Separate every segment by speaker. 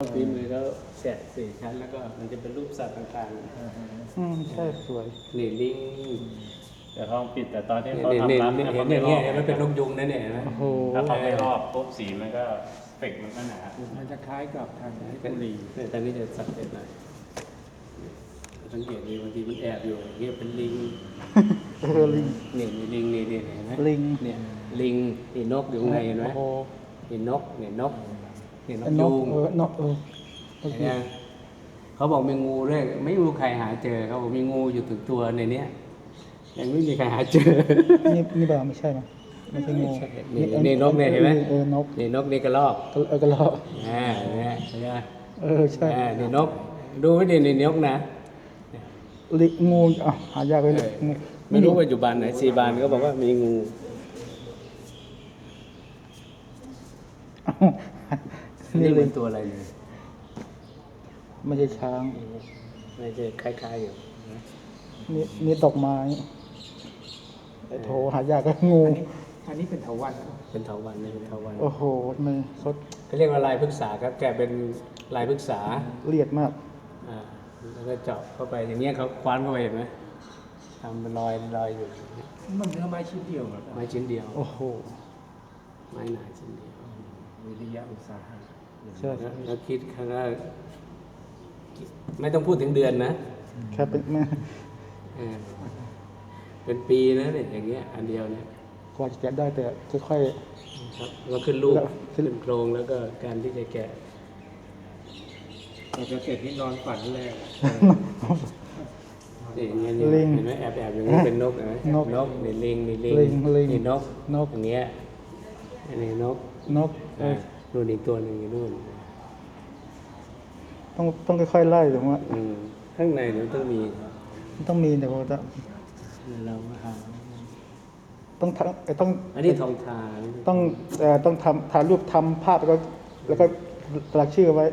Speaker 1: ฝีมือเขาแกะ4 ชั้นแล้วก็มันจะเป็นรูปสัตว์ต่าง
Speaker 2: ใช่สวย
Speaker 1: ๆนี่ลิงแต่ห้องปิดแต่ตอนที่เขา
Speaker 2: เห็น
Speaker 1: ทำร้าน
Speaker 2: อย่างเงี้ยมันเป็นนกยุงนั่นเองนะ
Speaker 1: ถ้าเขาไม่รอบปุ๊บสีมันก็เฟกมันก็หนา
Speaker 3: มันจะคล้ายกับทางเพชรบุรี
Speaker 1: แต่นี่จะสังเกตหน่อยสังเกตดีบางทีมันแอบอยู่อย่างเงี้ยเป็นลิง
Speaker 2: ลิง
Speaker 1: นี่มีลิงนี่เห็นไหม
Speaker 2: ลิง
Speaker 1: เนี่ยลิงนี่นกอยู่ข้างในเห็นไหม
Speaker 2: โอ้
Speaker 1: นี่นกนี่นกนี่นก
Speaker 2: น
Speaker 1: ยู
Speaker 2: ก
Speaker 1: ง
Speaker 2: นกโอเค
Speaker 1: เห็นยังเขาบอกมีงูด้วยไม่รู้ใครหาเจอเขาบอกมีงูอยู่ถึงตัวในเนี้ยยังไม่มีใครหาเจอ
Speaker 2: นี่แบบไม่ใช่ไหมไม่ใช่งู
Speaker 1: นี่นกเนี่ยเห็นไหม
Speaker 2: นก
Speaker 1: นี่นกนี่กระรอก
Speaker 2: กระรอก
Speaker 1: เนี่ยเห็นไหม
Speaker 2: ใช่
Speaker 1: นี่นกดูไม่ดีนี่นกนะ
Speaker 2: ลิงงูหายากเลย
Speaker 1: ไม่รู้ปัจจุบันไหนซีบานก็บอกว่ามีงู นี่เป็นตัวอะไรเนี่ย
Speaker 2: ไม่ใช่ช้าง
Speaker 1: ไม่ใช่คล้ายๆอยู่
Speaker 2: นี่ดอกไม้โถหายากก็งู
Speaker 3: อันนี้เป็นเถาวัลย์
Speaker 1: เป็นเถาวัลย์นี่เป็นเถาวัลย์
Speaker 2: โอ้โหมันเขา
Speaker 1: เขาเรียกว่าลายพฤกษาครับแกเป็นลายพฤกษา
Speaker 2: เลียดมาก
Speaker 1: แล้วก็เจาะเข้าไปอย่างเงี้ยเขาคว้านเข้าไปเห็นไหมทำเป็นรอยอยู่
Speaker 3: มันเนื้อไม้ชิ้นเดียวเหรอ
Speaker 1: ไม้ชิ้นเดียว
Speaker 2: โอ้โห
Speaker 1: ไม้หนาชิ้นเดียว
Speaker 3: วิริยะอุตสาหะ
Speaker 2: ใช่
Speaker 1: แล้วคิดครั้งแรกไม่ต้องพูดถึงเดือนนะ
Speaker 2: แค่เป็นแม่
Speaker 1: เออเป็นปีนะเนี่ยอย่างเงี้ยอันเดียวเนี่ย
Speaker 2: กว่าจะแกะได้แต่ค่อย
Speaker 1: ครับแล้วขึ้นรูป
Speaker 2: แล้วขึ้
Speaker 1: ขึ้
Speaker 2: น
Speaker 1: นโครงแล้วก็การที่จะแกะ
Speaker 3: เราจะเสร็จที่นอนฝันแรก
Speaker 1: นี่อย่างเงี้ยเนี่ยเห็นไหมแอบอย่างนี้เป็นนกเห็นไหมนกนี่ลิงนี่ลิง
Speaker 2: ลิง
Speaker 1: นี่นก
Speaker 2: นก
Speaker 1: อย่างเงี้ยอันนี้นก
Speaker 2: นก
Speaker 1: นู่นอีกตัวหนึ่งอยู่นู่น
Speaker 2: ต้องค่อยๆไล่แต่ว่า
Speaker 1: ข้างในเนี่ยต้องมี
Speaker 2: ต้องมีแต่ว่า
Speaker 1: เราหา
Speaker 2: ต้อง
Speaker 1: อันนี้ทองทา
Speaker 2: ต้องทำถ่ายรูปทำภาพแล้วก็ลักชื่อไว้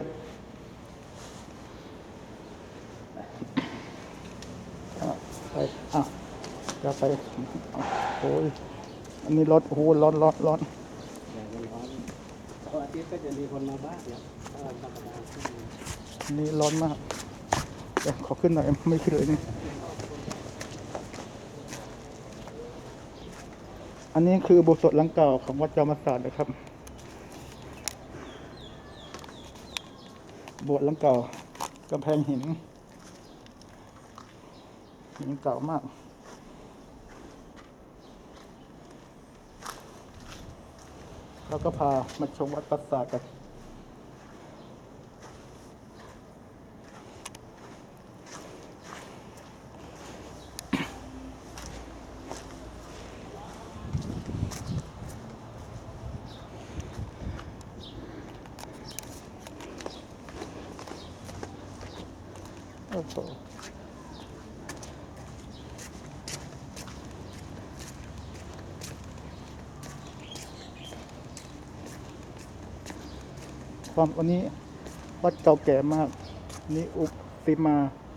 Speaker 2: ไปจะไปโอ้ยอันนี้รถโอ้โหร้อน
Speaker 1: แดดมันร้อนเสาร์อาทิตย์ก็จะมีคนมาบ้างเนี่ยถ้าวันธรรมดาขึ้น
Speaker 2: อันนี้ร้อนมากเดี๋ยวขอขึ้นหน่อยไม่ขึ้นเลยนี่อันนี้คืออุโบสถหลังเก่าของวัดจอมศาสตร์นะครับโบสถ์หลังเก่ากำแพงหินเก่ามากแล้วก็พามาชมวัดปราสาทกันโอ้โหวันนี้วัดเก่าแก่มาก นี่อุปติมา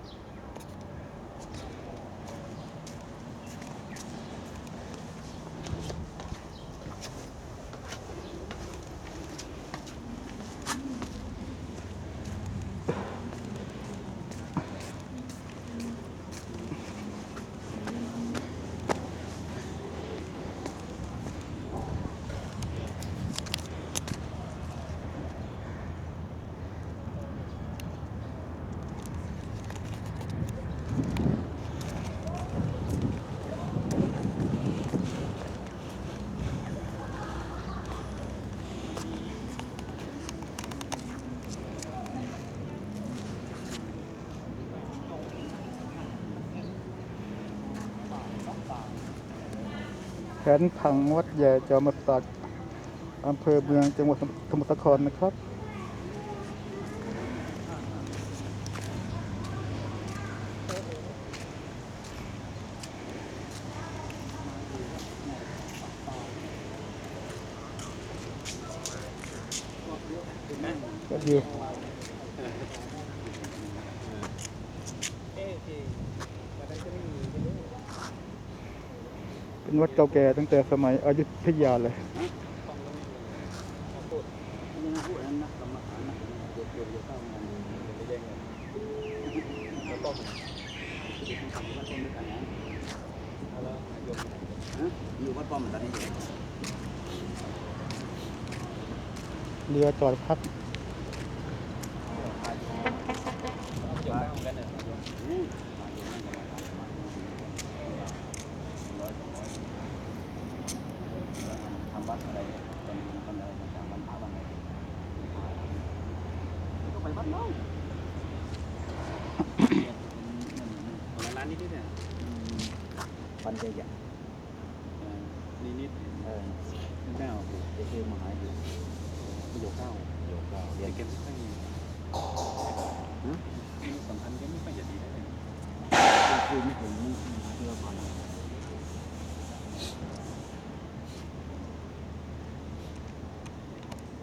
Speaker 2: แผนผังวัดใหญ่จอมศาสตร์อำเภอเมืองจังหวัดสมุทรสาครนะครับก็อยู่เป็นวัดเก่าแก่ตั้งแต่สมัยอยุธยาเลย
Speaker 1: เข้างานไม่ได้เงินแล้วต้มทำวัดต้มด้วยกันนะแล้วนายกอยู่วัดป้อมตอนนี้อยู่
Speaker 2: เรือจอดพัก
Speaker 1: ทำวัดอะไรเป็นอะไรต่างๆบรรพบุรุษก็ไปวัดน้องร้านนี้เนี่ยปันใจใหญ่นิดๆแก้วเจ๊มาหาอยู่ประโยคเก้าเรียนเก็บไม่สัมพันธ์ก็ไม่ค่อยจะดีได้เลยคุยไม่ถึงเรื่องความ